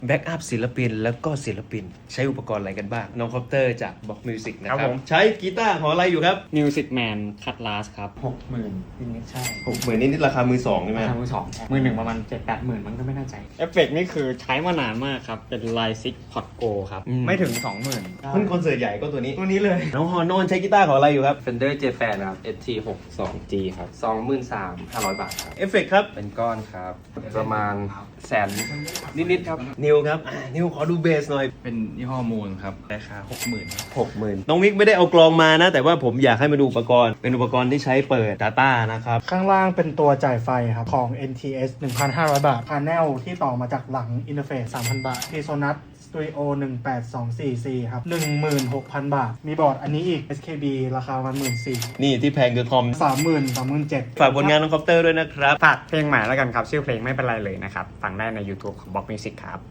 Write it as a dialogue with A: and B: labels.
A: แบ็กอัพศิลปินแล้วก็ศิลปินใช้อุปกรณ์อะไรกันบ้างน้องคอปเตอร์จากบ็อกมิวสิกนะครับ ใช้กีตาร์ของอะไรอยู่ครับ
B: Music Man Cut Last ครับ
C: 60,000นิดๆใช่
A: 60,000นิดๆราคามือสองใช่ไหม
C: ราคามือสองมือหนึ่งประมาณ7-8 หมื่นมันก็ไม่แน่ใจ
B: เอฟเฟกนี่คือใช้มานานมากครับ เป็น Line 6 Pod Go ครับ
C: ไม่ถึง 20,000
A: มันคอนเสิร์ตใหญ่ก็ตัวนี้
C: ตัวนี้เลย
A: น้องฮอนอนใช้กีตาร์ของอะไรอยู่ครับ
D: Fender J-Fan ครับ ST62G ครับ 23,500 บาทครับ
A: เอฟเฟกครับ
D: เป็นก้อนครับ ประมาณแสนนิดๆครับ
A: นิวครับนิวขอดูเบสหน่อย
E: เป็นยี่ห้อมูลครับราคา 60,000ครับ
A: 60,000น้องมิกไม่ได้เอากลองมานะ แต่ว่าผมอยากให้มาดูอุปกรณ์เป็นอุปกรณ์ที่ใช้เปิด Data นะครับ
F: ข้างล่างเป็นตัวจ่ายไฟครับ ของ NTS 1,500 บาท พา n นลที่ต่อมาจากหลังอินเทอร์เฟซ 3,000 บาท PSonus Studio 18244C ครับ 16,000 บาท มีบอร์ดอันนี้อีก SKB ราคาประมาณ 14,000
A: นี่ที่แพงคือคอม
F: 37,000
A: ฝากผลงานน้องคอปเตอร์ด้วยนะครับ
C: ฝากเพลงใหม่แล้วกันครับ ชื่อเพลงไม่เป็นไรเลยนะครับ ฟังได้ใน YouTube ของ Box Music ครับ